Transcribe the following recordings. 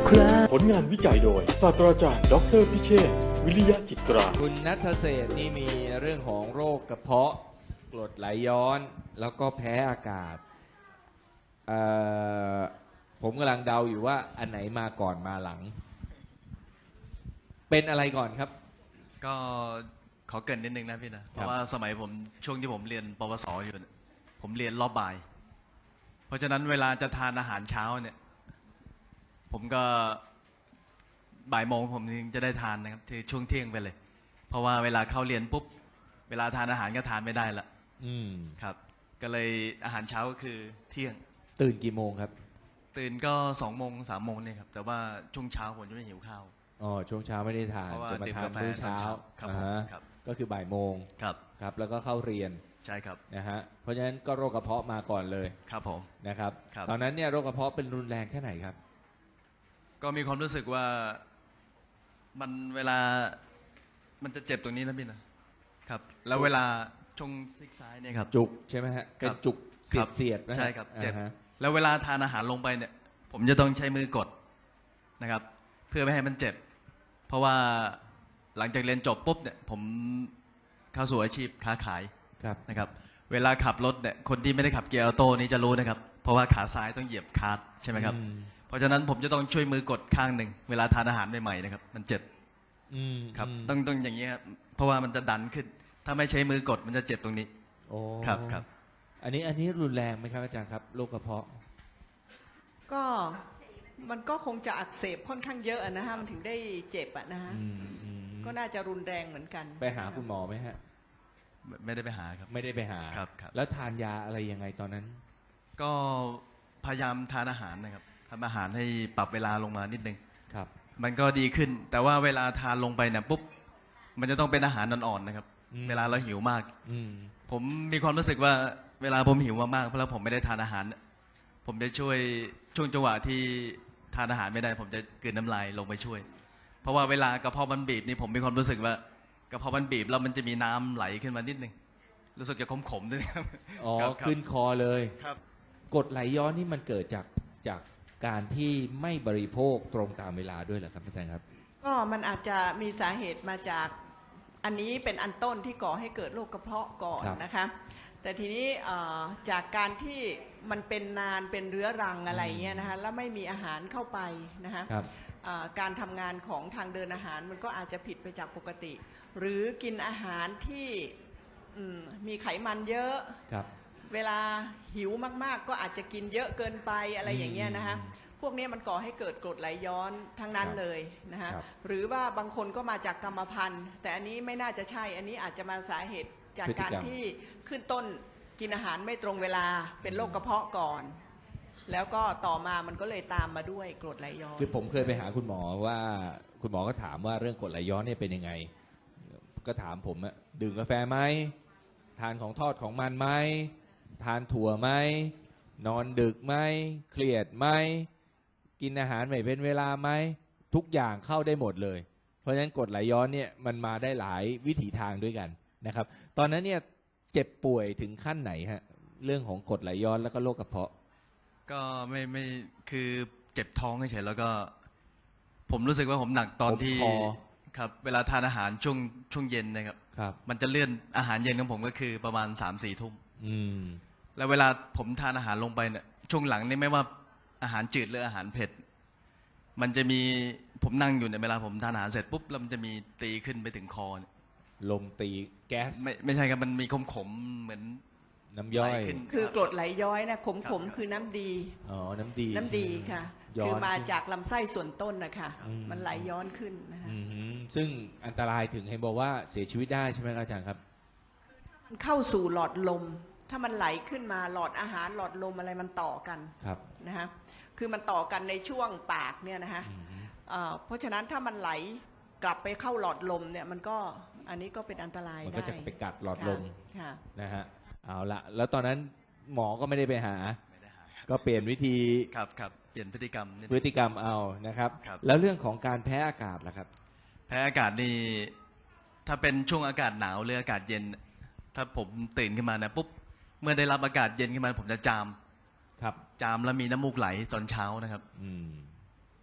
คราผลงานวิจัยโดยศาสตราจารย์ดออเตอร์พิเชษฐ์วิริยะจิตราคุณณัฐเศรษฐ์นี่มีเรื่องของโรคกระเพาะกรดไหลย้อนแล้วก็แพ้อากาศผมกำลังเดาอยู่ว่าอันไหนมาก่อนมาหลัง เป็นอะไรก่อนครับก็ขอเกริ่นนิดนึงนะพี่นะเพราะว่าสมัยผมช่วงที่ผมเรียนปวสอยู่เนี่ยผมเรียนรอบบ่ายเพราะฉะนั้นเวลาจะทานอาหารเช้าเนี่ยผมก็บ่ายโมงผมถึงจะได้ทานนะครับที่ช่วงเที่ยงไปเลยเพราะว่าเวลาเข้าเรียนปุ๊บเวลาทานอาหารก็ทานไม่ได้ละครับก็เลยอาหารเช้าก็คือเที่ยงตื่นกี่โมงครับตื่นก็2 โมง 3 โมงเนี่ยครับแต่ว่าช่วงเช้าผมจะไม่หิวข้าวอ๋อช่วงเช้าไม่ได้ทานจะมาทานมื้อเช้าครับก็คือบ่ายโมงครับแล้วก็เข้าเรียนใช่ครับนะฮะเพราะฉะนั้นก็โรคกระเพาะมาก่อนเลยครับผมนะครับตอนนั้นเนี่ยโรคกระเพาะเป็นรุนแรงแค่ไหนครับก็มีความรู้สึกว่ามันเวลามันจะเจ็บตรงนี้นะพี่นะครับแล้วเวลาช่วงซีกซ้ายเนี่ยครับจุกใช่ไหมฮะเป็นจุกเสียดใช่ครับเจ็บแล้วเวลาทานอาหารลงไปเนี่ยผมจะต้องใช้มือกดนะครับเพื่อไม่ให้มันเจ็บเพราะว่าหลังจากเรียนจบปุ๊บเนี่ยผมเข้าสู่อาชีพค้าขายนะครับเวลาขับรถเนี่ยคนที่ไม่ได้ขับเกียร์ออโต้นี่จะรู้นะครับเพราะว่าขาซ้ายต้องเหยียบคลัตช์ใช่ไหมครับเพราะฉะนั้นผมจะต้องช่วยมือกดข้างหนึ่งเวลาทานอาหารใหม่ๆนะครับมันเจ็บครับต้องอย่างนี้ครับเพราะว่ามันจะดันขึ้นถ้าไม่ใช้มือกดมันจะเจ็บตรงนี้โอ้ครับอันนี้รุนแรงไหมครับอาจารย์ครับโรคกระเพาะก็มันก็คงจะอักเสบค่อนข้างเยอะนะฮะมันถึงได้เจ็บอะนะฮะก็น่าจะรุนแรงเหมือนกันไปหาคุณหมอไหมฮะไม่ได้ไปหาครับไม่ได้ไปหาครับแล้วทานยาอะไรยังไงตอนนั้นก็พยายามทานอาหารนะครับทำอาหารให้ปรับเวลาลงมานิดนึงครับมันก็ดีขึ้นแต่ว่าเวลาทานลงไปเนี่ยปุ๊บมันจะต้องเป็นอาหารอ่อนๆนะครับเวลาเราหิวมากผมมีความรู้สึกว่าเวลาผมหิวมากๆเพราะผมไม่ได้ทานอาหารผมจะช่วยช่วงจังหวะที่ทานอาหารไม่ได้ผมจะกลืนน้ำลายลงไปช่วยเพราะว่าเวลากระเพาะมันบีบนี่ผมมีความรู้สึกว่ากระเพาะมันบีบแล้วมันจะมีน้ำไหลขึ้นมานิดนึงรู้สึกจะขมๆด้วยครับอ๋อขึ้นคอเลยครับกรดไหลย้อนนี่มันเกิดจากการที่ไม่บริโภคตรงตามเวลาด้วยเหรอครับอาจารย์ครับก็มันอาจจะมีสาเหตุมาจากอันนี้เป็นอันต้นที่ก่อให้เกิดโรคกระเพาะก่อนนะคะแต่ทีนี้จากการที่มันเป็นนานเป็นเรื้อรังอะไรเงี้ยนะคะแล้วไม่มีอาหารเข้าไปนะคะการทำงานของทางเดินอาหารมันก็อาจจะผิดไปจากปกติหรือกินอาหารที่มีไขมันเยอะเวลาหิวมากๆก็อาจจะกินเยอะเกินไปอะไรอย่างเงี้ยนะคะพวกนี้มันก่อให้เกิดกรดไหลย้อนทั้งนั้นเลยนะคะหรือว่าบางคนก็มาจากกรรมพันธุ์แต่อันนี้ไม่น่าจะใช่อันนี้อาจจะมาสาเหตุจากการที่ขึ้นต้นกินอาหารไม่ตรงเวลาเป็นโรคกระเพาะก่อนแล้วก็ต่อมามันก็เลยตามมาด้วยกรดไหลย้อนคือผมเคยไปหาคุณหมอว่าคุณหมอก็ถามว่าเรื่องกรดไหลย้อนเนี่ยเป็นยังไงก็ถามผมอะดื่มกาแฟไหมทานของทอดของมันไหมทานถั่วไหมนอนดึกไหมเครียดไหมกินอาหารไม่เป็นเวลาไหมทุกอย่างเข้าได้หมดเลยเพราะฉะนั้นกรดไหลย้อนเนี่ยมันมาได้หลายวิถีทางด้วยกันนะครับตอนนั้นเนี่ยเจ็บป่วยถึงขั้นไหนฮะเรื่องของกรดไหลย้อนแล้วก็โรคกระเพาะก็ไม่คือเจ็บท้องเฉยๆแล้วก็ผมรู้สึกว่าผมหนักตอนที่ครับเวลาทานอาหารช่วงเย็นนะครับมันจะเลื่อนอาหารเย็นของผมก็คือประมาณ3-4 ทุ่มแล้วเวลาผมทานอาหารลงไปเนี่ยช่วงหลังนี่ไม่ว่าอาหารจืดหรืออาหารเผ็ดมันจะมีผมนั่งอยู่เนี่ยเวลาผมทานอาหารเสร็จปุ๊บแล้วมันจะมีตีขึ้นไปถึงคอลมตีแก๊สไม่ใช่ครับมันมีขมเหมือนน้ำย่อยคือกรดไหลย้อยนะขมคือน้ำดีอ๋อน้ำดีค่ะคือมาจากลำไส้ส่วนต้นนะคะมันไหลย้อนขึ้นนะคะซึ่งอันตรายถึงเห็นบอกว่าเสียชีวิตได้ใช่ไหมอาจารย์ครับมันเข้าสู่หลอดลมถ้ามันไหลขึ้นมาหลอดอาหารหลอดลมอะไรมันต่อกันนะฮะคือมันต่อกันในช่วงปากเนี่ยนะฮะเพราะฉะนั้นถ้ามันไหลกลับไปเข้าหลอดลมเนี่ยมันก็อันนี้ก็เป็นอันตรายได้มันก็จะไปกัดหลอดลมนะฮะเอาละแล้วตอนนั้นหมอก็ไม่ได้ไปหาก็เปลี่ยนวิธีครับเปลี่ยนพฤติกรรมเอานะครับแล้วเรื่องของการแพ้อากาศล่ะครับแพ้อากาศนี่ถ้าเป็นช่วงอากาศหนาวหรืออากาศเย็นถ้าผมตื่นขึ้นมานะปุ๊บเมื่อได้รับอากาศเย็นขึ้นมาผมจะจามแล้วมีน้ำมูกไหลตอนเช้านะครับ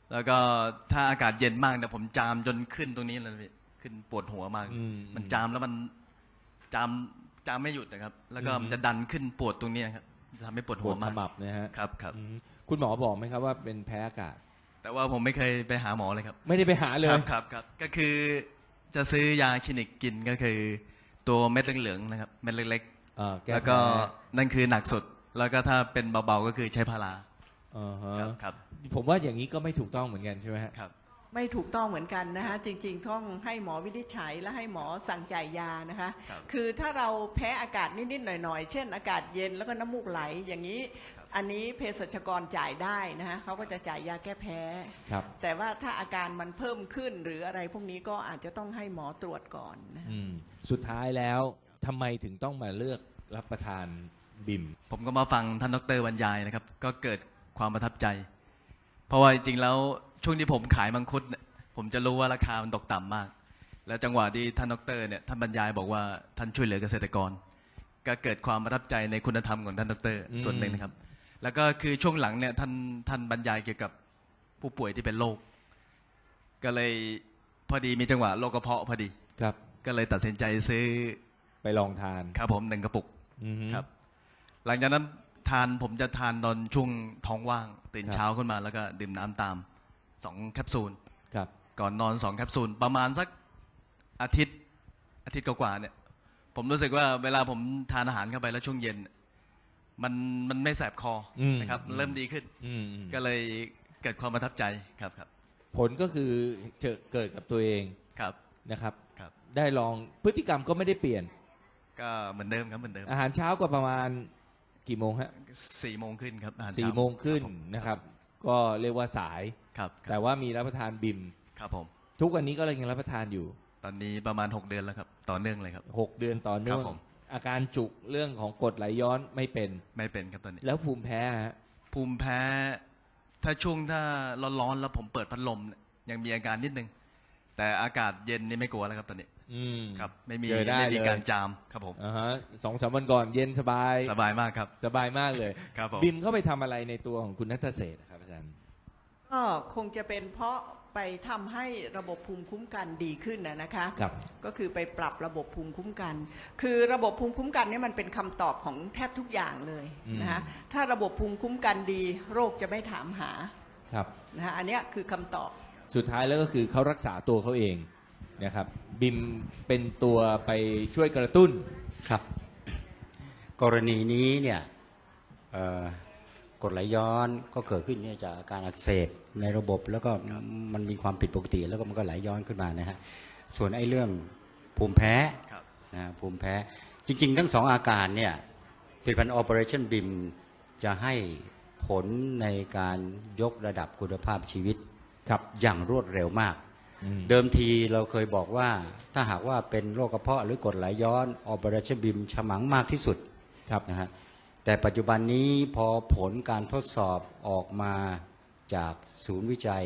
แล้วก็ถ้าอากาศเย็นมากเนี่ยผมจามจนขึ้นตรงนี้เลยพี่ขึ้นปวดหัวมาก มันจามแล้วมันจามไม่หยุดนะครับ แล้วก็มันจะดันขึ้นปวดตรงนี้ครับทำให้ปวดปหัววดขมากมับนะฮะครับครับคุณหมอบอกไหมครับว่าเป็นแพ้อากาศแต่ว่าผมไม่เคยไปหาหมอเลยครับไม่ได้ไปหาเลยครับก็คือจะซื้อยาคลินิกกินก็คือตัวเม็ดเหลืองๆนะครับเม็ดเล็กแก้ๆแล้วแพ้ก็นั่นคือหนักสุด แล้วก็ถ้าเป็นเบาๆก็คือใช้พาราอ่าฮะครับผมว่าอย่างนี้ก็ไม่ถูกต้องเหมือนกันใช่ไหมฮะครับไม่ถูกต้องเหมือนกันนะคะจริงๆต้องให้หมอวินิจฉัยและให้หมอสั่งจ่ายยานะคะครับคือถ้าเราแพ้อากาศนิดๆหน่อยๆเช่นอากาศเย็นแล้วก็น้ำมูกไหลอย่างนี้ อันนี้เภสัชกรจ่ายได้นะคะเขาก็จะจ่ายยาแก้แพ้ครับแต่ว่าถ้าอาการมันเพิ่มขึ้นหรืออะไรพวกนี้ก็อาจจะต้องให้หมอตรวจก่อนนะสุดท้ายแล้วทำไมถึงต้องมาเลือกรับประทานบิมผมก็มาฟังท่านดรบรรยายนะครับ ก็เกิดความประทับใจ เพราะว่าจริงๆแล้วช่วงที่ผมขายมังคุดเนี่ยผมจะรู้ว่าราคามันตกต่ำมาก แล้วจังหวะที่ท่านดรเนี่ยท่านบรรยายบอกว่าท่านช่วยเหลือเกษตรกร ก็เกิดความประทับใจในคุณธรรมของท่านดรส่วนหนึ่งนะครับ แล้วก็คือช่วงหลังเนี่ยท่านบรรยายเกี่ยวกับผู้ป่วยที่เป็นโรคก็เลยพอดีมีจังหวะโรคกระเพาะพอดีครับก็เลยตัดสินใจซื้อไปลองทานครับผม1 กระปุกอือฮึครับ หลังจากนั้นผมจะทานตอนช่วงท้องว่างตื่นเช้าขึ้นมาแล้วก็ดื่มน้ำตาม2 แคปซูลครับก่อนนอน2 แคปซูลประมาณสักอาทิตย์กว่าๆเนี่ย ผมรู้สึกว่าเวลาผมทานอาหารเข้าไปแล้วช่วงเย็น มันไม่แสบคอนะครับเริ่มดีขึ้น ก็เลยเกิดความประทับใจครับผลก็คือเกิดกับตัวเองครับนะครับครับได้ลองพฤติกรรมก็ไม่ได้เปลี่ยนก็เหมือนเดิมครับเหมือนเดิมอาหารเช้าก็ประมาณกี่โมงฮะ 4 โมงขึ้นครับอาหารสี่เช้าโมงขึ้นครับผมนะครับ ก็เรียกว่าสายครับแต่ว่ามีรับประทานบิมครับผมทุกวันนี้ก็ยังรับประทานอยู่ตอนนี้ประมาณ6 เดือนแล้วครับต่อเนื่องเลยครับ 6 เดือนต่อเนื่อคงรับผมอาการจุกเรื่องของกรดไหลย้อนไม่เป็นไม่เป็นครับตอนนี้แล้วภูมิแพ้ฮะภูมิแพ้ถ้าร้อนๆแล้วผมเปิดพัดลมเนี่ยยังมีอาการนิดนึง แต่อากาศเย็นนี่ไม่กลัวแล้วครับตอนนี้ครับไม่มีเจอได้ไม่มีเลยการจามครับผมอ่าฮะ2-3 วันก่อนเย็นสบายสบายมากครับสบายมากเลยครับผมบิมเข้าไปทำอะไรในตัวของคุณนัทเศรษฐ์ครับอาจารย์ก็คงจะเป็นเพราะไปทำให้ระบบภูมิคุ้มกันดีขึ้นนะคะครับก็คือไปปรับระบบภูมิคุ้มกัน คือระบบภูมิคุ้มกันเนี่ยมันเป็นคำตอบของแทบทุกอย่างเลยนะคะถ้าระบบภูมิคุ้มกันดีโรคจะไม่ถามหาครับนะคะอันเนี้ยคือคำตอบสุดท้ายแล้วก็คือเขารักษาตัวเขาเองนะครับบิมเป็นตัวไปช่วยกระตุ้นครับ กรณีนี้เนี่ยกรดไหลย้อนก็เกิดขึ้นเนี่ยจากอาการอักเสบในระบบแล้วก็มันมีความผิดปกติแล้วก็มันก็ไหลย้อนขึ้นมานะฮะส่วนไอ้เรื่องภูมิแพ้ครับนะภูมิแพ้จริงๆทั้ง2 อาการเนี่ยผลิตภัณฑ์ Operation BIM จะให้ผลในการยกระดับคุณภาพชีวิตครับอย่างรวดเร็วมาก เดิมทีเราเคยบอกว่าถ้าหากว่าเป็นโรคกระเพาะหรือกรดไหลย้อน Operation BIM ฉมังมากที่สุดครับนะฮะแต่ปัจจุบันนี้พอผลการทดสอบออกมาจากศูนย์วิจัย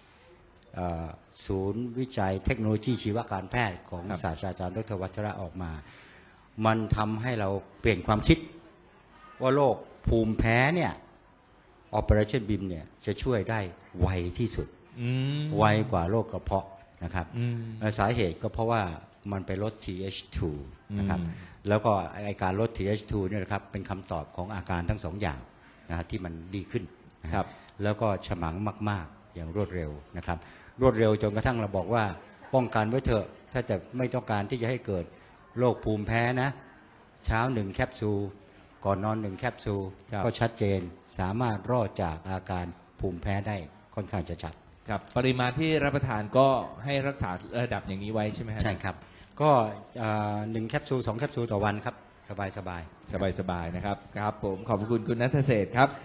เทคโนโลยีชีวการแพทย์ของครับศาสตราจารย์ดรวัชระออกมา มันทำให้เราเปลี่ยนความคิดว่าโรคภูมิแพ้เนี่ย Operation BIM เนี่ยจะช่วยได้ไวที่สุด ไวกว่าโรคกระเพาะนะครับสาเหตุก็เพราะว่ามันไปลด TH2 นะครับแล้วก็ไอการลด TH2 เนี่ยนะครับเป็นคำตอบของอาการทั้ง2 อย่างนะฮะที่มันดีขึ้นนะครับ แล้วก็ฉมังมากๆอย่างรวดเร็วนะครับรวดเร็วจนกระทั่งเราบอกว่าป้องกันไว้เถอะถ้าจะไม่ต้องการที่จะให้เกิดโรคภูมิแพ้นะเช้า1 แคปซูลก่อนนอน1 แคปซูลครับก็ชัดเจนสามารถรอดจากอาการภูมิแพ้ได้ค่อนข้างจะชัดครับปริมาณที่รับประทานก็ให้รักษาระดับอย่างนี้ไว้ใช่ไหมฮะใช่ครับ ก็1 แคปซูล 2 แคปซูลต่อวันครับ สบายๆสบายๆนะครับครับผมขอบคุณคุณนัทเศรษฐ์ครับ